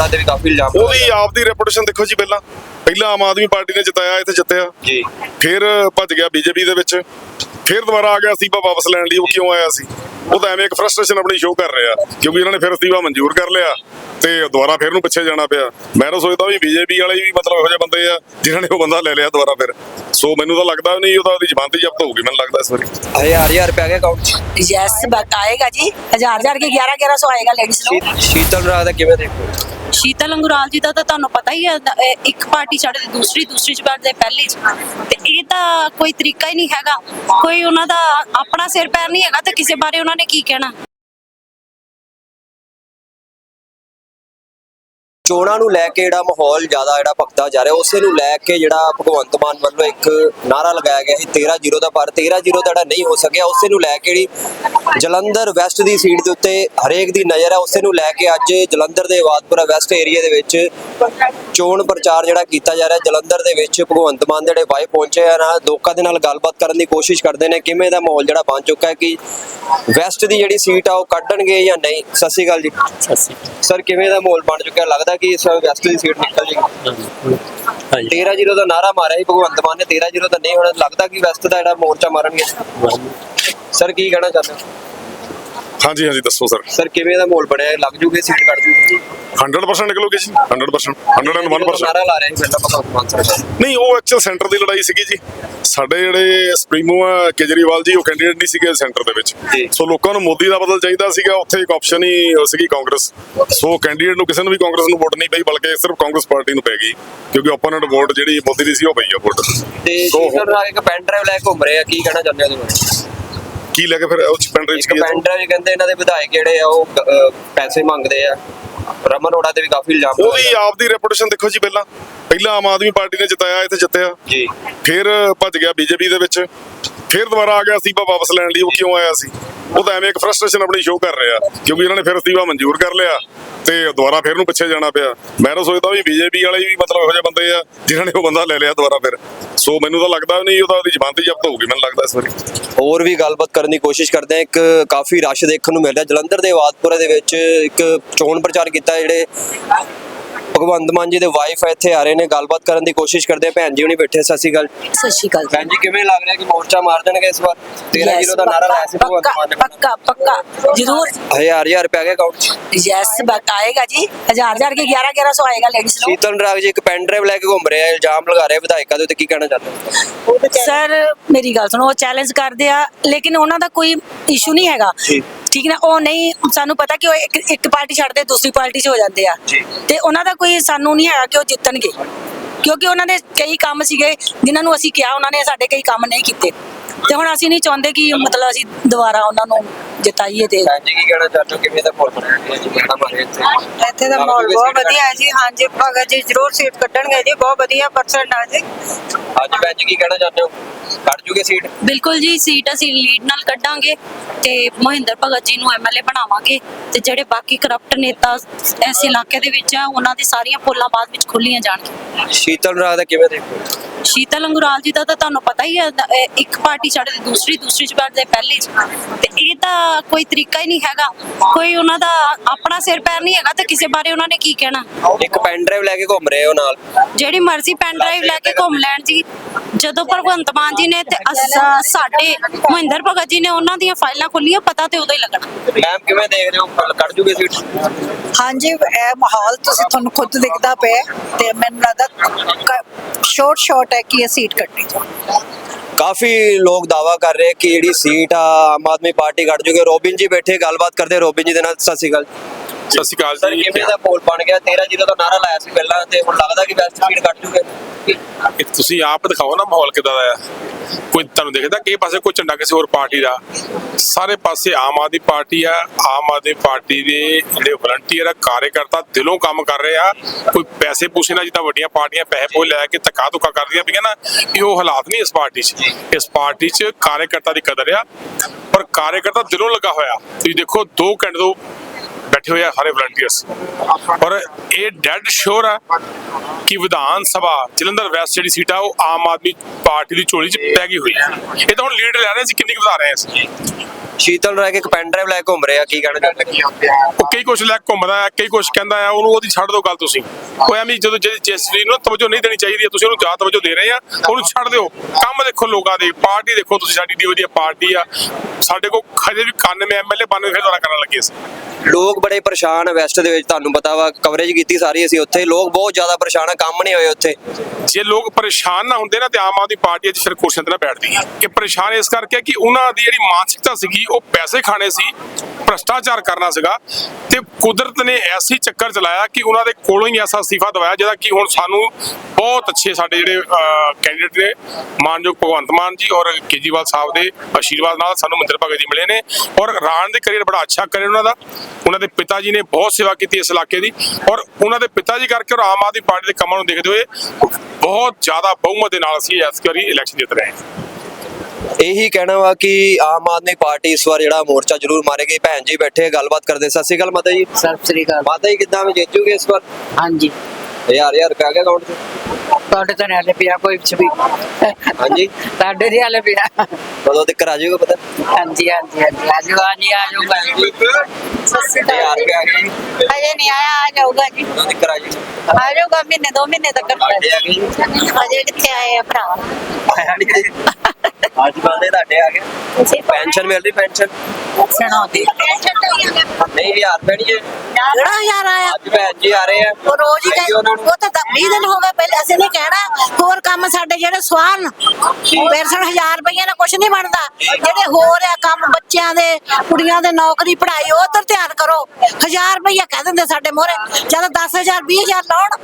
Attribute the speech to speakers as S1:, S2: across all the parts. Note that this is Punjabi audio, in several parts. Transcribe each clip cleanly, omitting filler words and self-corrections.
S1: ਉਹਨਾਂ ਤੇ ਵੀ ਕਾਫੀ ਇਲਜ਼ਾਮ
S2: ਉਹਦੀ ਆਪਦੀ ਰੈਪੂਟੇਸ਼ਨ ਦੇਖੋ ਜੀ। ਪਹਿਲਾਂ ਆਮ ਆਦਮੀ ਪਾਰਟੀ ਨੇ ਜਿਤਾਇਆ, ਇੱਥੇ ਜਿੱਤਿਆ
S1: ਜੀ,
S2: ਫਿਰ ਭੱਜ ਗਿਆ ਬੀਜੇਪੀ ਦੇ ਵਿੱਚ, ਫਿਰ ਦੁਬਾਰਾ ਆ ਗਿਆ ਅਸਤੀਫਾ ਵਾਪਸ ਲੈਣ ਲਈ। ਉਹ ਕਿਉਂ ਆਇਆ ਸੀ? ਉਹ ਤਾਂ ਐਵੇਂ ਇੱਕ ਫਰਸਟ੍ਰੇਸ਼ਨ ਆਪਣੀ ਸ਼ੋਅ ਕਰ ਰਿਹਾ, ਕਿਉਂਕਿ ਇਹਨਾਂ ਨੇ ਫਿਰ ਅਸਤੀਫਾ ਮਨਜ਼ੂਰ ਕਰ ਲਿਆ ਤੇ ਦੁਬਾਰਾ ਫਿਰ ਨੂੰ ਪਿੱਛੇ ਜਾਣਾ ਪਿਆ। ਮੈਂ ਤਾਂ ਸੋਚਦਾ ਵੀ ਬੀਜੇਪੀ ਵਾਲੇ ਵੀ ਮਤਲਬ ਇਹੋ ਜਿਹੇ ਬੰਦੇ ਆ ਜਿਨ੍ਹਾਂ ਨੇ ਉਹ ਬੰਦਾ ਲੈ ਲਿਆ ਦੁਬਾਰਾ ਫਿਰ। ਸੋ ਮੈਨੂੰ ਤਾਂ ਲੱਗਦਾ ਨਹੀਂ ਉਹਦੀ ਜ਼ਮਾਨਤ ਹੀ ਜ਼ਬਤ ਹੋਊਗੀ, ਮੈਨੂੰ ਲੱਗਦਾ ਇਸ ਵਾਰੀ।
S1: 1000 रुपया के अकाउंट
S3: यस आएगा जी, हजार के 1100 आएगा लेडीज लोग।
S1: शीतल राय ਦਾ ਕਿਵੇਂ ਦੇਖੋ?
S4: ਸ਼ੀਤਲ ਅੰਗੁਰਾਲ ਜੀ ਦਾ ਤਾਂ ਤੁਹਾਨੂੰ ਪਤਾ ਹੀ ਹੈ, ਇੱਕ ਪਾਰਟੀ ਛੱਡ ਕੇ ਦੂਸਰੀ ਚ ਬੈਠਦੇ ਪਹਿਲੀ ਚ, ਤੇ ਇਹ ਤਾਂ ਕੋਈ ਤਰੀਕਾ ਹੀ ਨਹੀਂ ਹੈਗਾ। ਕੋਈ ਉਹਨਾਂ ਦਾ ਆਪਣਾ ਸਿਰ ਪੈਰ ਨਹੀਂ ਹੈਗਾ ਤੇ ਕਿਸੇ ਬਾਰੇ ਉਹਨਾਂ ਨੇ ਕੀ ਕਹਿਣਾ।
S1: ਚੋਣਾਂ ਨੂੰ ਲੈ ਕੇ ਜਿਹੜਾ ਮਾਹੌਲ ਜ਼ਿਆਦਾ ਜਿਹੜਾ ਭਖਦਾ ਜਾ ਰਿਹਾ, ਉਸੇ ਨੂੰ ਲੈ ਕੇ ਜਿਹੜਾ ਭਗਵੰਤ ਮਾਨ ਵੱਲੋਂ ਇੱਕ ਨਾਰਾ ਲਗਾਇਆ ਗਿਆ ਸੀ 13-0 ਦਾ, ਪਰ 13-0 ਦਾ ਜਿਹੜਾ ਨਹੀਂ ਹੋ ਸਕਿਆ। ਉਸੇ ਨੂੰ ਲੈ ਕੇ ਜਿਹੜੀ ਜਲੰਧਰ ਵੈਸਟ ਦੀ ਸੀਟ ਦੇ ਉੱਤੇ ਹਰੇਕ ਦੀ ਨਜ਼ਰ ਹੈ, ਉਸੇ ਨੂੰ ਲੈ ਕੇ ਅੱਜ ਜਲੰਧਰ ਦੇ ਆਬਾਦਪੁਰਾ ਵੈਸਟ ਏਰੀਆ ਦੇ ਵਿੱਚ ਚੋਣ ਪ੍ਰਚਾਰ ਜਿਹੜਾ ਕੀਤਾ ਜਾ ਰਿਹਾ। ਜਲੰਧਰ ਦੇ ਵਿੱਚ ਭਗਵੰਤ ਮਾਨ ਜਿਹੜੇ ਬਾਈ ਪਹੁੰਚੇ ਆ, ਨਾਲ ਲੋਕਾਂ ਦੇ ਨਾਲ ਗੱਲਬਾਤ ਕਰਨ ਦੀ ਕੋਸ਼ਿਸ਼ ਕਰਦੇ ਨੇ ਕਿਵੇਂ ਦਾ ਮਾਹੌਲ ਜਿਹੜਾ ਬਣ ਚੁੱਕਾ ਹੈ ਕਿ ਵੈਸਟ ਦੀ ਜਿਹੜੀ ਸੀਟ ਆ ਉਹ ਕੱਢਣਗੇ ਜਾਂ ਨਹੀਂ। ਸਤਿ ਸ਼੍ਰੀ ਅਕਾਲ ਜੀ। ਸਰ, ਕਿਵੇਂ ਦਾ ਮਾਹੌਲ ਬਣ ਚੁੱਕਿਆ? ਲੱਗਦਾ ਕਿ ਇਸ ਵਾਰ ਵੈਸਟ ਦੀ ਸੀਟ ਨਿਕਲ ਜਾਏਗੀ? 13-0 ਦਾ ਨਾਰਾ ਮਾਰਿਆ ਸੀ ਭਗਵੰਤ ਮਾਨ ਨੇ, 13-0 ਤਾਂ ਨਹੀਂ ਹੋਣਾ। ਲੱਗਦਾ ਕਿ ਵੈਸਟ ਦਾ ਜਿਹੜਾ ਮੋਰਚਾ ਮਾਰਨਗੇ। ਸਰ, ਕੀ ਕਹਿਣਾ ਚਾਹੁੰਦੇ ਹੋ?
S2: ਹਾਂਜੀ ਦੱਸੋ ਸਰ।
S1: ਸਰ, ਕਿਵੇਂ ਦਾ ਮਾਹੌਲ ਬਣਿਆ? ਲੱਗ ਜੂਗੀ ਸੀਟ ਕੱਢ ਜੂਗੀ?
S2: 100% ਨਿਕਲੋਗੇ ਜੀ, 100%, 101%।
S1: ਨਾਰਾ ਲਾ ਰਿਹਾ ਸੀ ਪਹਿਲਾਂ ਭਗਵੰਤ ਮਾਨ ਸਰ।
S2: ਨਹੀਂ, ਉਹ ਐਕਚੁਅਲ ਸੈਂਟਰ ਦੀ ਲੜਾਈ ਸੀਗੀ ਜੀ। ਸਾਡੇ ਜਿਹੜੇ ਸੁਪਰੀਮੋ ਆ ਕੇਜਰੀਵਾਲ ਜੀ, ਉਹ ਕੈਂਡੀਡੇਟ ਨਹੀਂ ਸੀਗੇ ਸੈਂਟਰ ਦੇ ਵਿੱਚ। ਸੋ ਲੋਕਾਂ ਨੂੰ ਮੋਦੀ ਦਾ ਬਦਲ ਚਾਹੀਦਾ ਸੀਗਾ, ਉੱਥੇ ਇੱਕ ਆਪਸ਼ਨ ਹੀ ਸੀਗੀ ਕਾਂਗਰਸ। ਸੋ ਕੈਂਡੀਡੇਟ ਨੂੰ ਕਿਸੇ ਨੂੰ ਵੀ ਕਾਂਗਰਸ ਨੂੰ ਵੋਟ ਨਹੀਂ ਪਈ, ਬਲਕਿ ਸਿਰਫ ਕਾਂਗਰਸ ਪਾਰਟੀ ਨੂੰ ਪੈ ਗਈ, ਕਿਉਂਕਿ ਓਪੋਨੈਂਟ ਵੋਟ ਜਿਹੜੀ ਮੋਦੀ ਦੀ ਸੀ ਉਹ ਪਈ ਆ ਵੋਟ।
S1: ਤੇ ਸ਼ੀਤਲ ਰਾਏ ਇੱਕ ਪੈਨ ਡਰਾਈਵ ਲੈ ਕੇ ਘੁੰਮ ਰਹੇ ਆ, ਕੀ ਕਹਿਣਾ ਚਾਹੁੰਦੇ ਹੋ ਉਹਦੇ ਬਾਰੇ?
S2: ਕੀ ਲੈ ਕੇ ਫਿਰ ਉਹ ਪੈਨ ਡਰਾਈਵ
S1: ਪੈਨ ਡਰਾਈਵ ਕਹਿੰਦੇ ਇਹਨਾਂ ਦੇ ਵਿਧਾਇਕ ਜਿਹੜੇ ਆ ਉਹ ਪੈਸੇ ਮੰਗਦੇ ਆ। ਰਮਨ ਅਰੋੜਾ ਤੇ ਵੀ ਕਾਫੀ ਇਲਜ਼ਾਮ।
S2: ਉਹਦੀ ਆਪਦੀ ਰੈਪੂਟੇਸ਼ਨ ਦੇਖੋ ਜੀ। ਪਹਿਲਾਂ ਆਮ ਆਦਮੀ ਪਾਰਟੀ ਨੇ ਜਿਤਾਇਆ, ਇੱਥੇ ਜਿੱਤਿਆ
S1: ਜੀ,
S2: ਫਿਰ ਭੱਜ ਗਿਆ ਬੀਜੇਪੀ ਦੇ ਵਿੱਚ, ਫਿਰ ਦੁਬਾਰਾ ਆ ਗਿਆ ਅਸਤੀਫਾ ਵਾਪਸ ਲੈਣ ਲਈ। ਉਹ ਕਿਉਂ ਆਇਆ ਸੀ? ਉਹ ਤਾਂ ਐਵੇਂ ਇੱਕ ਫਰਸਟ੍ਰੇਸ਼ਨ ਆਪਣੀ ਸ਼ੋਅ ਕਰ ਰਿਹਾ, ਕਿਉਂਕਿ ਇਹਨਾਂ ਨੇ ਫਿਰ ਅਸਤੀਫਾ ਮਨਜ਼ੂਰ ਕਰ ਲਿਆ ਤੇ ਦੁਬਾਰਾ ਫਿਰ ਨੂੰ ਪਿੱਛੇ ਜਾਣਾ ਪਿਆ। ਮੈਂ ਤਾਂ ਸੋਚਦਾ ਵੀ ਬੀਜੇਪੀ ਵਾਲੇ ਵੀ ਮਤਲਬ ਇਹੋ ਜਿਹੇ ਬੰਦੇ ਆ ਜਿਨ੍ਹਾਂ ਨੇ ਉਹ ਬੰਦਾ ਲੈ ਲਿਆ ਦੁਬਾਰਾ ਫਿਰ। ਸੋ ਮੈਨੂੰ ਤਾਂ ਲੱਗਦਾ ਨਹੀਂ ਉਹਦੀ ਜ਼ਮਾਨਤ ਹੀ ਜ਼ਬਤ ਹੋਊਗੀ, ਮੈਨੂੰ ਲੱਗਦਾ ਇਸ ਵਾਰੀ।
S1: ਹੋਰ ਵੀ ਗੱਲਬਾਤ ਕਰਨ ਦੀ ਕੋਸ਼ਿਸ਼ ਕਰਦੇ ਆ। ਇੱਕ ਕਾਫੀ ਰਸ਼ ਦੇਖਣ ਨੂੰ ਮਿਲ ਰਿਹਾ ਜਲੰਧਰ ਦੇ ਆਬਾਦਪੁਰਾ ਦੇ ਵਿੱਚ। ਇੱਕ ਚੋਣ ਪ੍ਰਚਾਰ ਕੀਤਾ, ਜਿਹੜੇ ਭਗਵੰਤ ਮਾਨ ਜੀ ਦੇ ਵਾਈਫ ਇੱਥੇ ਆ ਰਹੇ ਨੇ, ਗੱਲਬਾਤ ਕਰਨ ਦੀ ਕੋਸ਼ਿਸ਼ ਕਰਦੇ ਆ। ਭੈਣ ਜੀ ਹੁਣੀ ਬੈਠੇ। ਸਤਿ ਸ਼੍ਰੀ ਅਕਾਲ।
S3: सत श्री अकाल।
S1: ਭੈਣ ਜੀ, ਕਿਵੇਂ ਲੱਗ ਰਿਹਾ ਕਿ ਮੋਰਚਾ ਮਾਰ ਦੇਣਗੇ ਇਸ ਵਾਰ? 13-0 ਦਾ ਨਾਰਾ ਲਾਇਆ ਸੀ ਭਗਵੰਤ ਮਾਨ ਨੇ।
S3: पक्का जरूर।
S1: 1000 रुपया के अकाउंट
S3: यस आएगा जी, हजार के 1100 आएगा लेडीज लोग।
S1: शीतल राग जी एक पेन ड्राइव लेके घूम रहे हैं, इल्जाम लगा रहे विधायकों ਦੇ ਉੱਤੇ, ਕੀ ਕਹਿਣਾ ਚਾਹੁੰਦੇ ਹੋ?
S3: ਸਰ, ਮੇਰੀ ਗੱਲ ਸੁਣੋ, ਉਹ ਚੈਲੰਜ ਕਰਦੇ ਆ, ਲੇਕਿਨ ਉਹਨਾਂ ਦਾ ਕੋਈ ਇਸ਼ੂ ਨਹੀਂ ਹੈਗਾ, ਠੀਕ ਨਾ। ਉਹ ਨਹੀਂ, ਸਾਨੂੰ ਪਤਾ ਕਿ ਉਹ ਇੱਕ ਪਾਰਟੀ ਛੱਡਦੇ ਦੂਸਰੀ ਪਾਰਟੀ 'ਚ ਹੋ ਜਾਂਦੇ ਆ, ਤੇ ਉਹਨਾਂ ਦਾ ਕੋਈ ਸਾਨੂੰ ਨਹੀਂ ਹੈਗਾ ਕਿ ਉਹ ਜਿੱਤਣਗੇ, ਕਿਉਂਕਿ ਉਹਨਾਂ ਦੇ ਕਈ ਕੰਮ ਸੀਗੇ ਜਿਨ੍ਹਾਂ ਨੂੰ ਅਸੀਂ ਕਿਹਾ, ਉਹਨਾਂ ਨੇ ਸਾਡੇ ਕਈ ਕੰਮ ਨਹੀਂ ਕੀਤੇ, ਤੇ ਹੁਣ ਅਸੀਂ ਨਹੀਂ ਚਾਹੁੰਦੇ ਕਿ ਮਤਲਬ ਅਸੀਂ ਦੁਬਾਰਾ ਉਹਨਾਂ ਨੂੰ ਜਿਤਾਈਏ। ਤੇ
S1: ਜੀ ਕੀ ਕਹਿਣਾ ਚਾਹੁੰਦੇ ਹੋ? ਕਿਵੇਂ ਦਾ ਮਾਹੌਲ ਬਣਿਆ ਜੀ ਕਹਿਣਾ ਮਾਰੇ
S5: ਇੱਥੇ ਦਾ ਮਾਹੌਲ ਬਹੁਤ ਵਧੀਆ ਹੈ ਜੀ। ਹਾਂਜੀ, ਭਗਤ ਜੀ ਜ਼ਰੂਰ ਸੀਟ ਕੱਢਣਗੇ ਜੀ, ਬਹੁਤ ਵਧੀਆ ਪਰਸੈਂਟ ਆ ਜੀ।
S1: ਹਾਂਜੀ ਭੈਣ ਜੀ, ਕੀ ਕਹਿਣਾ ਚਾਹੁੰਦੇ ਹੋ? ਕੱਢ ਜੂਗੇ ਸੀਟ?
S4: ਬਿਲਕੁਲ ਜੀ, ਸੀਟ ਅਸੀਂ ਲੀਡ ਨਾਲ ਕੱਢਾਂਗੇ ਤੇ ਮਹਿੰਦਰ ਭਗਤ ਜੀ ਨੂੰ ਐਮਐਲਏ ਬਣਾਵਾਂਗੇ, ਤੇ ਜਿਹੜੇ ਬਾਕੀ ਕਰਪਟ ਨੇਤਾ ਇਸ ਇਲਾਕੇ ਦੇ ਵਿੱਚ ਆ, ਉਹਨਾਂ ਦੀ ਸਾਰੀਆਂ ਪੋਲਾਂ ਬਾਅਦ ਵਿੱਚ ਖੋਲੀਆਂ ਜਾਣਗੀਆਂ।
S1: ਸ਼ੀਤਲ ਰਾਗ ਦਾ ਕਿਵੇਂ ਦੇਖੋ?
S4: ਸ਼ੀਤਲ ਅੰਗੁਰਾਲ ਜੀ ਦਾ ਤਾਂ ਤੁਹਾਨੂੰ ਪਤਾ ਹੀ ਹੈ, ਇੱਕ ਪਾਰਟੀ ਛੱਡ ਕੇ ਦੂਸਰੀ ਚ ਬੈਠਦੇ ਪਹਿਲੀ ਚ, ਤੇ ਇਹ ਤਾਂ ਕੋਈ ਤਰੀਕਾ ਹੀ ਨਹੀਂ ਹੈਗਾ। ਕੋਈ ਉਹਨਾਂ ਦਾ ਆਪਣਾ ਸਿਰ ਪੈਰ ਨਹੀਂ ਹੈਗਾ ਤੇ ਕਿਸੇ ਬਾਰੇ ਉਹਨਾਂ ਨੇ ਕੀ ਕਹਿਣਾ।
S1: ਇੱਕ ਪੈਨ ਡਰਾਈਵ ਲੈ ਕੇ ਘੁੰਮ ਰਹੇ ਹੋ ਨਾਲ,
S4: ਜਿਹੜੀ ਮਰਜ਼ੀ ਪੈਨ ਡਰਾਈਵ ਲੈ ਕੇ ਘੁੰਮ ਲੈਣ ਜੀ। ਜਦੋਂ ਭਗਵੰਤ ਮਾਨ ਜੀ ਨੇ ਤੇ ਸਾਡੇ ਮਹਿੰਦਰ ਭਗਤ ਜੀ ਨੇ ਉਹਨਾਂ ਦੀਆਂ ਫਾਈਲਾਂ ਖੋਲੀਆਂ, ਪਤਾ ਤੇ ਉਦੋਂ ਹੀ ਲੱਗਣਾ।
S1: ਮੈਮ ਕਿਵੇਂ ਦੇਖ ਰਹੇ ਹੋ? ਕੱਢ ਜੂਗੇ ਸੀਟ?
S5: ਹਾਂਜੀ, ਇਹ ਮਾਹੌਲ ਤੁਸੀਂ ਤੁਹਾਨੂੰ ਖੁਦ ਦਿਖਦਾ ਪਿਆ, ਤੇ ਮੈਨੂੰ ਲੱਗਦਾ ਸ਼ੋਰਟ ਹੈ ਕਿ ਇਹ ਸੀਟ ਕੱਢਣੀ ਚਾਹੀਦੀ।
S1: ਕਾਫੀ ਲੋਕ ਦਾਵਾ ਕਰ ਰਹੇ ਕਿ ਜਿਹੜੀ ਸੀਟ ਆ ਆਮ ਆਦਮੀ ਪਾਰਟੀ ਕੱਢ ਜੂਗੇ। ਰੋਬਿਨ ਜੀ ਬੈਠੇ, ਗੱਲਬਾਤ ਕਰਦੇ ਰੋਬਿਨ ਜੀ ਦੇ ਨਾਲ। ਸਤਿ ਸ਼੍ਰੀ ਅਕਾਲ।
S2: ਸਤਿ ਸ਼੍ਰੀ ਅਕਾਲ
S1: ਸਰ, ਕਿਵੇਂ ਦਾ ਮਾਹੌਲ ਬਣ ਗਿਆ? 13-0 ਦਾ ਨਾਰਾ ਲਾਇਆ ਸੀ ਪਹਿਲਾਂ, ਤੇ ਹੁਣ ਲੱਗਦਾ ਕਿ ਵੈਸਟ ਸੀਟ ਕੱਢ ਜੂਗੇ।
S6: ਤੁਸੀਂ ਆਪ ਦਿਖਾਓ ਨਾ ਮਾਹੌਲ ਕਿਦਾਂ ਦਾ ਹੈ। ਕੋਈ ਤੁਹਾਨੂੰ ਦੇਖਦਾ ਕਿ ਪਾਸੇ ਕੋਈ ਝੰਡਾ ਕਿਸੇ ਹੋਰ ਪਾਰਟੀ ਦਾ, ਸਾਰੇ ਪਾਸੇ ਆਮ ਆਦਮੀ ਪਾਰਟੀ ਆ। ਆਮ ਆਦਮੀ ਪਾਰਟੀ ਦੇ ਜਿਹੜੇ ਵਲੰਟੀਅਰ ਆ, ਕਾਰਜਕਰਤਾ ਦਿਲੋਂ ਕੰਮ ਕਰ ਰਹੇ ਆ। ਕੋਈ ਪੈਸੇ ਪੂਸੇ ਨਾਲ, ਜਿੱਦਾਂ ਵੱਡੀਆਂ ਪਾਰਟੀਆਂ ਪੈਸੇ ਪੂਸੇ ਲੈ ਕੇ ਧੱਕਾ ਧੁੱਕਾ ਕਰਦੀਆਂ ਪਈਆਂ ਨਾ, ਇਹ ਉਹ ਹਾਲਾਤ ਨਹੀਂ ਇਸ ਪਾਰਟੀ 'ਚ। ਇਸ ਪਾਰਟੀ 'ਚ ਕਾਰਜਕਰਤਾ ਦੀ ਕਦਰ ਆ, ਪਰ ਕਾਰਜਕਰਤਾ ਦਿਲੋਂ ਲੱਗਾ ਹੋਇਆ। ਤੁਸੀਂ ਦੇਖੋ 2 ਘੰਟੇ ਤੋਂ ਬੈਠੇ ਹੋਏ ਆ ਸਾਰੇ ਵਲੰਟੀਅਰਸ। ਔਰ ਇਹ ਡੈਡ ਸ਼ੋਰ ਆ ਕਿ ਵਿਧਾਨ ਸਭਾ ਜਲੰਧਰ ਵੈਸਟ ਜਿਹੜੀ ਸੀਟ ਆ ਉਹ ਆਮ ਆਦਮੀ ਪਾਰਟੀ ਦੀ ਝੋਲੀ 'ਚ ਪੈ ਗਈ ਹੋਈ ਹੈ। ਇਹ ਤਾਂ ਹੁਣ ਲੀਡ ਲੈ ਰਹੇ ਸੀ, ਕਿੰਨੀ ਕੁ ਵਧਾ ਰਹੇ ਸੀ।
S1: ਸ਼ੀਤਲ ਰਾਏ ਇੱਕ ਪੈਨ ਡਰਾਈਵ ਲੈ ਕੇ ਘੁੰਮ ਰਿਹਾ, ਕੀ ਕਹਿਣਾ ਚਾਹੁੰਦੇ?
S6: ਉਹ ਕਈ ਕੁਛ ਲੈ ਕੇ ਘੁੰਮਦਾ ਹੈ, ਕਈ ਕੁਛ ਕਹਿੰਦਾ ਹੈ, ਉਹਦੀ ਛੱਡ ਦਿਓ ਗੱਲ ਤੁਸੀਂ। ਉਹ ਐਵੇਂ ਜਦੋਂ ਜਿਸ ਚੀਜ਼ ਨੂੰ ਤਵੱਜੋ ਨਹੀਂ ਦੇਣੀ ਚਾਹੀਦੀ ਹੈ, ਤੁਸੀਂ ਉਹਨੂੰ ਜ਼ਿਆਦਾ ਤਵੱਜੋ ਦੇ ਰਹੇ ਆ, ਉਹਨੂੰ ਛੱਡ ਦਿਓ। ਕੰਮ ਦੇਖੋ ਲੋਕਾਂ ਦੇ, ਪਾਰਟੀ ਦੇਖੋ ਤੁਸੀਂ, ਸਾਡੀ ਡੀ ਵਧੀਆ ਪਾਰਟੀ ਆ। ਸਾਡੇ ਕੋਲ ਹਜੇ ਵੀ 91 ਐਮਐਲਏ 92 ਫਿਰ ਦੁਆਰਾ ਕਰਨ ਲੱਗੇ ਸੀ।
S1: ਲੋਕ ਬੜੇ ਪਰੇਸ਼ਾਨ ਆ ਵੈਸਟ ਦੇ ਵਿੱਚ, ਤੁਹਾਨੂੰ ਪਤਾ ਵਾ, ਕਵਰੇਜ ਕੀਤੀ ਸਾਰੀ ਅਸੀਂ ਉੱਥੇ। ਲੋਕ ਬਹੁਤ ਜ਼ਿਆਦਾ ਪਰੇਸ਼ਾਨ ਆ, ਕੰਮ ਨਹੀਂ ਹੋਏ ਉੱਥੇ।
S6: ਜੇ ਲੋਕ ਪਰੇਸ਼ਾਨ ਨਾ ਹੁੰਦੇ ਨਾ ਤੇ ਆਮ ਆਦਮੀ ਪਾਰਟੀ ਅੱਜ ਫਿਰ ਕੁਰਸੀਆਂ ਤੇ ਨਾ ਬੈਠਦੀ। ਇਹ ਪਰੇਸ਼ਾਨ ਇਸ ਕਰਕੇ ਕਿ ਉਹਨਾਂ ਦੀ ਜਿਹੜੀ ਮਾਨਸਿਕਤਾ ਸੀਗੀ ਉਹ ਪੈਸੇ ਖਾਣੇ ਸੀ, ਭ੍ਰਸ਼ਟਾਚਾਰ ਕਰਨਾ ਸੀਗਾ, ਤੇ ਕੁਦਰਤ ਨੇ ਐਸੀ ਚੱਕਰ ਚਲਾਇਆ ਕਿ ਉਹਨਾਂ ਦੇ ਕੋਲੋਂ ਹੀ ਐਸਾ ਅਸਤੀਫਾ ਦਵਾਇਆ ਜਿਹਦਾ ਕਿ ਹੁਣ ਸਾਨੂੰ ਬਹੁਤ ਅੱਛੇ ਸਾਡੇ ਜਿਹੜੇ ਕੈਂਡੀਡੇਟ ਨੇ, ਮਾਨਯੋਗ ਭਗਵੰਤ ਮਾਨ ਜੀ ਔਰ ਕੇਜਰੀਵਾਲ ਸਾਹਿਬ ਦੇ ਆਸ਼ੀਰਵਾਦ ਨਾਲ ਸਾਨੂੰ ਮਹਿੰਦਰ ਭਗਤ ਜੀ ਮਿਲੇ ਨੇ। ਔਰ ਰਾਣ ਦੇ ਕਰੀਅਰ ਬੜਾ ਅੱਛਾ ਕਰਿਆ ਉਹਨਾਂ ਦਾ। ਉਹਨਾਂ ਦੇ ਪਿਤਾ ਜੀ ਨੇ ਬਹੁਤ ਸੇਵਾ ਕੀਤੀ ਇਸ ਇਲਾਕੇ ਦੀ, ਔਰ ਉਹਨਾਂ ਦੇ ਪਿਤਾ ਜੀ ਕਰਕੇ ਔਰ ਆਮ ਆਦਮੀ ਪਾਰਟੀ ਦੇ ਕੰਮਾਂ ਨੂੰ ਦੇਖਦੇ ਹੋਏ ਬਹੁਤ ਜ਼ਿਆਦਾ ਬਹੁਮਤ ਦੇ ਨਾਲ ਅਸੀਂ ਇਸ ਵਾਰੀ ਇਲੈਕਸ਼ਨ ਜਿੱਤ ਰਹੇ ਹਾਂ।
S1: ਇਹੀ ਕਹਿਣਾ ਵਾ ਕਿ ਆਮ ਆਦਮੀ ਪਾਰਟੀ ਇਸ ਵਾਰ ਜਿਹੜਾ ਮੋਰਚਾ ਜ਼ਰੂਰ ਮਾਰੇਗੀ। ਭੈਣ ਜੀ ਬੈਠੇ ਗੱਲਬਾਤ ਕਰਦੇ। ਸਤਿ ਸ਼੍ਰੀ ਅਕਾਲ ਮਾਤਾ ਜੀ।
S7: ਸਤਿ ਸ੍ਰੀ ਅਕਾਲ।
S1: ਮਾਤਾ ਜੀ ਕਿੱਦਾਂ ਵੀ ਜਿੱਤੂਗੇ ਇਸ ਵਾਰ?
S7: ਹਾਂਜੀ,
S1: 1000 ਰੁਪਏ ਆ ਗਿਆ ਅਕਾਊਂਟ 'ਚ?
S7: ਤੁਹਾਡੇ ਤਾਂ ਨਹੀਂ ਹਲੇ ਪਿਆ ਕੋਈ ਕੁਛ ਵੀ।
S1: ਹਾਂਜੀ,
S7: ਤੁਹਾਡੇ ਨਹੀਂ ਹਲੇ ਪਿਆ।
S1: ਕਦੋਂ ਤੱਕ ਆ ਜਾਊਗਾ ਪਤਾ?
S7: ਹਾਂਜੀ ਹਾਂਜੀ ਹਾਂਜੀ, ਆ ਜਾਊਗਾ ਜੀ, ਆ ਜਾਊਗਾ।
S1: 1000 ਰੁਪਏ ਆ ਗਿਆ ਜੀ।
S5: ਅਜੇ ਨਹੀਂ ਆਇਆ, ਆ ਜਾਊਗਾ ਜੀ,
S1: ਕਦੋਂ ਤੱਕ ਆ ਜਾਊਗਾ?
S5: ਆ ਜਾਊਗਾ ਮਹੀਨੇ 2 ਮਹੀਨੇ ਤੱਕ।
S1: ਤੁਹਾਡੇ ਆ ਗਏ ਜੀ?
S5: ਅਜੇ ਕਿੱਥੇ ਆਏ ਆ ਭਰਾ?
S1: ਆਇਆ ਨਹੀਂ ਜੀ। ਅੱਜ ਬੰਦੇ ਤੁਹਾਡੇ ਆ ਗਏ। ਪੈਨਸ਼ਨ ਮਿਲ ਰਹੀ? ਪੈਨਸ਼ਨ
S7: ਸੁਣਾਉਂਦੀ
S1: ਨਹੀਂ, 1000 ਰੁਪਏ ਨਹੀਂ ਹੈ।
S3: ਕਿਹੜਾ ਯਾਰ ਆਇਆ?
S1: ਅੱਜ ਭੈਣ ਜੀ ਆ ਰਹੇ ਆ।
S3: ਉਹ ਰੋਜ਼ ਹੀ
S1: ਕਹੀਏ ਉਹਨਾਂ ਨੂੰ।
S3: ਉਹ ਤਾਂ 20 ਦਿਨ ਹੋ ਗਏ ਪਹਿਲੇ। ਅਸੀਂ ਨਹੀਂ ਕਹਿਣਾ ਹੋਰ ਕੰਮ ਸਾਡੇ ਜਿਹੜੇ ਸਵਾਰਨ ਪੈਨਸ਼ਨ 1000 ਰੁਪਏ ਨਾਲ ਕੁਝ ਨਹੀਂ ਬਣਦਾ। ਜਿਹੜੇ ਹੋਰ ਆ ਕੰਮ ਬੱਚਿਆਂ ਦੇ, ਕੁੜੀਆਂ ਦੇ ਨੌਕਰੀ ਪੜ੍ਹਾਈ, ਉਧਰ ਧਿਆਨ ਕਰੋ। 1000 ਰੁਪਏ ਕਹਿ ਦਿੰਦੇ ਸਾਡੇ ਮੋਹਰੇ, ਜਦ 10,000 20,000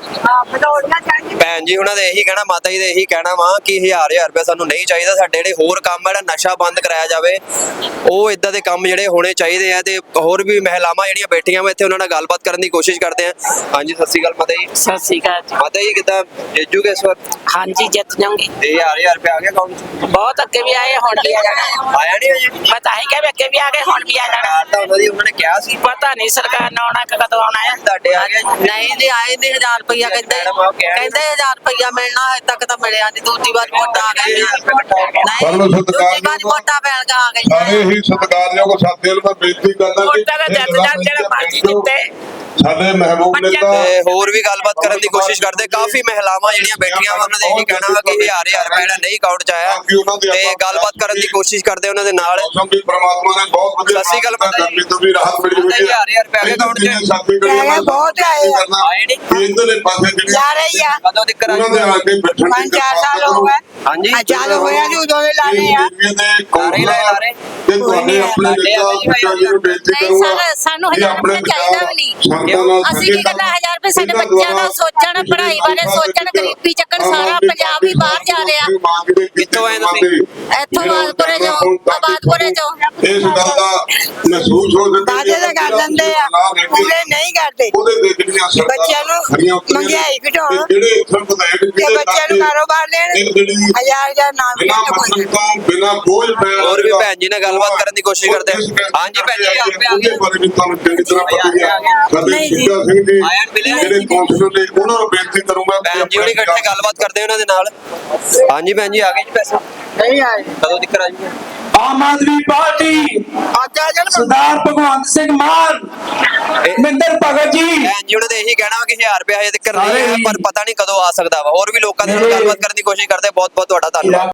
S3: ਲਾਉਣ।
S1: ਭੈਣ ਜੀ ਉਹਨਾਂ ਦੇ ਇਹੀ ਕਹਿਣਾ, ਮਾਤਾ ਜੀ ਦੇ ਇਹੀ ਕਹਿਣਾ ਵਾ ਕਿ 1000 ਰੁਪਏ ਸਾਨੂੰ ਨਹੀਂ ਚਾਹੀਦਾ। ਸਾਡੇ ਜਿਹੜੇ ਹੋਰ ਕੰਮ ਆ, ਜਿਹੜਾ ਨਸ਼ਾ ਬੰਦ ਕਰਾਇਆ ਜਾਵੇ, ਉਹ ਇਦਾਂ ਦੇ ਕੰਮ ਜਿਹੜੇ ਹੋਣੇ ਚਾਹੀਦੇ ਆ। ਤੇ ਹੋਰ ਵੀ ਮਹਿਲਾਵਾਂ ਜਿਹੜੀਆਂ ਬੈਠੀਆਂ ਵਾ ਇੱਥੇ, ਉਹਨਾਂ ਨਾਲ ਗੱਲਬਾਤ ਕਰਨ ਦੀ ਕੋਸ਼ਿਸ਼ ਕਰਦੇ ਆ। ਹਾਂਜੀ, ਸਤਿ ਸ਼੍ਰੀ ਅਕਾਲ ਮਾਤਾ ਜੀ।
S7: ਸਤਿ ਸ੍ਰੀ ਅਕਾਲ ਜੀ।
S1: ਮਾਤਾ ਜੀ ਕਿੱਦਾਂ ਜਿੱਜੂਗੇ ਇਸ ਵਾਰ?
S7: ਹਾਂਜੀ, ਜਿੱਤ ਜਾਵਾਂਗੇ।
S1: 1000 ਰੁਪਏ ਆ ਗਿਆ ਅਕਾਊਂਟ 'ਚ?
S7: ਬਹੁਤ ਅੱਗੇ ਵੀ ਆਏ, ਹੁਣ ਵੀ ਆ ਜਾਣਾ।
S1: ਆਇਆ ਨਹੀਂ ਅਜੇ?
S7: ਮੈਂ ਤਾਂ ਹੀ ਕਿਹਾ ਵੀ ਅੱਗੇ ਵੀ ਆ ਗਏ, ਹੁਣ ਵੀ ਆ ਜਾਣਾ।
S1: ਤਾਂ ਉਹਨਾਂ ਨੇ ਕਿਹਾ ਸੀ।
S7: ਪਤਾ ਨਹੀਂ ਸਰਕਾਰ ਨੇ ਆਉਣਾ ਕਿ ਕਦੋਂ ਆਉਣਾ ਹੈ।
S1: ਤੁਹਾਡੇ ਆ ਗਿਆ ਜੀ?
S7: ਨਹੀਂ ਜੀ, ਆਏ ਨਹੀਂ। 1000 ਰੁਪਇਆ ਕਹਿੰਦੇ,
S1: ਮੈਡਮ ਆਪ ਕਹਿ ਰਹੇ
S7: ਕਹਿੰਦੇ 1000 ਰੁਪਇਆ ਮਿਲਣਾ, ਹਜੇ ਤੱਕ ਤਾਂ ਮਿਲਿਆ ਨਹੀਂ। ਦੂਜੀ ਵਾਰ ਵੋਟਾਂ ਆ ਗਈਆਂ।
S8: ਪਰ
S7: ਨਹੀਂ,
S8: ਸਤਿਕਾਰ
S7: ਦੂਜੀ ਵਾਰ ਵੋਟਾਂ ਪੈਣ ਆ ਗਈਆਂ।
S8: ਸਾਰੇ ਹੀ ਸਤਿਕਾਰਯੋਗ ਸਾਥੀਆਂ ਨੂੰ ਮੈਂ ਬੇਨਤੀ ਕਰਦਾ
S7: ਵੋਟਾਂ ਦਾ ਜੱਟ ਜੱਟ ਜਿਹੜਾ ਮਰਜ਼ੀ ਜਿੱਤੇ।
S8: ਸਾਡੇ ਮਹਿਬੂਬ ਨੇਤਾ
S1: ਤੇ ਹੋਰ ਵੀ ਗੱਲਬਾਤ ਕਰਨ ਦੀ ਕੋਸ਼ਿਸ਼ ਕਰਦੇ। ਕਾਫੀ ਮਹਿਲਾਵਾਂ ਜਿਹੜੀਆਂ ਬੈਠੀਆਂ ਵਾ, ਉਹਨਾਂ ਦੇ ਇਹੀ ਕਹਿਣਾ ਵਾ ਕਿ 1000 ਰੁਪਏ ਜਿਹੜਾ ਨਹੀਂ ਅਕਾਊਂਟ 'ਚ ਆਇਆ, ਤੇ ਗੱਲਬਾਤ ਕਰਨ ਦੀ ਕੋਸ਼ਿਸ਼ ਕਰਦੇ ਉਹਨਾਂ ਦੇ ਨਾਲ।
S8: ਮੌਸਮ ਵੀ ਪ੍ਰਮਾਤਮਾ ਨੇ ਬਹੁਤ ਵਧੀਆ
S1: ਸਤਿ ਸ਼੍ਰੀ ਅਕਾਲ ਮਾਤਾ ਜੀ।
S8: ਗਰਮੀ ਤੋਂ ਵੀ ਰਾਹਤ ਮਿਲੀ ਹੋਈ ਹੈ।
S1: 1000 ਰੁਪਏ ਆਏ ਅਕਾਊਂਟ 'ਚ?
S8: ਸਾਥੀ ਕਰੀਏ
S5: ਬਹੁਤ ਆਏ ਆ।
S1: ਆਏ ਨਹੀਂ?
S8: ਇਧਰਲੇ ਪਾਸੇ ਜਿਹੜੇ
S5: ਲਾ ਰਹੀ ਆ।
S1: ਕਦੋਂ ਤੱਕ ਆ
S8: ਉਹਨਾਂ ਦੇ
S1: ਜਾਊਗਾ?
S8: ਆ ਕੇ ਬੈਠਣ ਦੀ
S5: 5-4 ਸਾਲ ਹੋ ਗਏ।
S1: ਹਾਂਜੀ,
S5: ਚਾਲੂ ਹੋਇਆ ਜੀ, ਉਦੋਂ ਦੇ ਲਾਣੇ ਆ।
S8: ਤੇ ਤੁਹਾਡੇ ਆਪਣੇ ਨੇਤਾ ਪਿਤਾ ਜੀ ਨੂੰ ਬੇਨਤੀ
S4: ਨਹੀਂ
S8: ਕਰੂੰਗਾ
S4: ਸਰ, ਸਾਨੂੰ
S8: ਕਿ
S4: 1000
S8: ਆਪਣੇ
S4: ਰੁਪਏ ਚਾਹੀਦਾ ਵੀ ਨਹੀਂ।
S8: ਸੰਗਤਾਂ ਨਾਲ
S4: ਅਸੀਂ ਕੀ ਕਰਨਾ 1000 ਰੁਪਏ? ਸਾਡੇ ਬੱਚਿਆਂ ਦਾ ਸੋਚਣ, ਪੜ੍ਹਾਈ ਬਾਰੇ ਸੋਚਣ, ਗਰੀਬੀ ਚੱਕਣ। ਸਾਰਾ ਪੰਜਾਬ ਹੀ ਬਾਹਰ ਜਾ ਰਿਹਾ।
S1: ਕਿੱਥੋਂ ਆਏ ਤੁਸੀਂ?
S4: ਇੱਥੋਂ ਆਬਾਦਪੁਰੇ ਚੋਂ, ਆਬਾਦਪੁਰੇ ਚੋਂ।
S8: ਇਸ ਗੱਲ ਦਾ ਮਹਿਸੂਸ ਹੋ ਜਾਂਦਾ
S5: ਵਾਅਦੇ ਤਾਂ ਕਰ ਦਿੰਦੇ ਆ, ਪੂਰੇ ਨਹੀਂ ਕਰਦੇ।
S8: ਉਹਦੇ ਦੇ ਜਿਹੜੀਆਂ ਸਰਕਾਰਾਂ
S5: ਬੱਚਿਆਂ ਨੂੰ
S8: ਖਰੀਆਂ ਉਤਰੀਆਂ ਨੇ,
S5: ਮਹਿੰਗਾਈ ਘਟਾਉਣ,
S8: ਤੇ ਜਿਹੜੇ ਇੱਥੇ ਵਿਧਾਇਕ
S5: ਕਿ
S8: ਜਿਹੜੇ
S5: ਬੱਚਿਆਂ ਨੂੰ ਕਾਰੋਬਾਰ ਦੇਣ।
S8: ਇਹ ਜਿਹੜੀ
S5: 1000 ਨਾਮ ਵੀ
S8: ਬਿਨਾਂ
S5: ਨਹੀਂ ਕੋਈ।
S8: ਮਤਲਬ ਤੋਂ ਬਿਨਾਂ ਬੋਝ ਪੈਣ
S1: ਹੋਰ ਵੀ ਭੈਣ ਜੀ ਨਾਲ ਗੱਲਬਾਤ ਕਰਨ ਦੀ ਕੋਸ਼ਿਸ਼ ਕਰਦੇ ਆ। ਹਾਂਜੀ ਭੈਣ ਜੀ, ਆ ਗਿਆ।
S8: ਉਹਦੇ ਬਾਰੇ ਵੀ ਤੁਹਾਨੂੰ ਚੰਗੀ ਤਰ੍ਹਾਂ ਪਤਾ ਹੀ ਹੈ। ਸਾਡੇ
S5: ਨਹੀਂ ਜੀ।
S8: ਸਿੱਧਾ ਸਿੰਘ ਜੀ
S1: ਆਇਆ ਮਿਲਿਆ
S8: ਜਿਹੜੇ ਕੌਂਸਲਰ ਨੇ, ਉਹਨਾਂ ਨੂੰ ਬੇਨਤੀ ਕਰੂੰਗਾ ਕਿ
S1: ਭੈਣ ਜੀ ਉਹਨੇ ਇਕੱਠੇ ਗੱਲਬਾਤ ਕਰਦੇ ਉਹਨਾਂ ਦੇ ਨਾਲ। ਹਾਂਜੀ ਭੈਣ ਜੀ, ਆ ਗਏ ਜੀ ਪੈਸੇ?
S5: ਨਹੀਂ ਆਏ।
S1: ਕਦੋਂ ਤੱਕ ਆ ਜਾਊਗਾ?
S9: ਆਮ ਆਦਮੀ ਪਾਰਟੀ,
S5: ਅੱਜ ਆ ਜਾਣ।
S9: ਸਰਦਾਰ ਭਗਵੰਤ ਸਿੰਘ ਮਾਨ, ਮਹਿੰਦਰ ਭਗਤ ਜੀ।
S1: ਭੈਣ ਜੀ ਉਹਨਾਂ ਦੇ ਇਹੀ ਕਹਿਣਾ ਵਾ ਕਿ 1000 ਰੁਪਏ ਹਜੇ ਤੱਕ ਨਹੀਂ ਆਇਆ, ਪਰ ਪਤਾ ਨਹੀਂ ਕਦੋਂ ਆ ਸਕਦਾ ਵਾ। ਹੋਰ ਵੀ ਲੋਕਾਂ ਦੇ ਨਾਲ ਗੱਲਬਾਤ ਕਰਨ ਦੀ ਕੋਸ਼ਿਸ਼ ਕਰਦੇ। ਬਹੁਤ ਬਹੁਤ ਤੁਹਾਡਾ ਧੰਨਵਾਦ।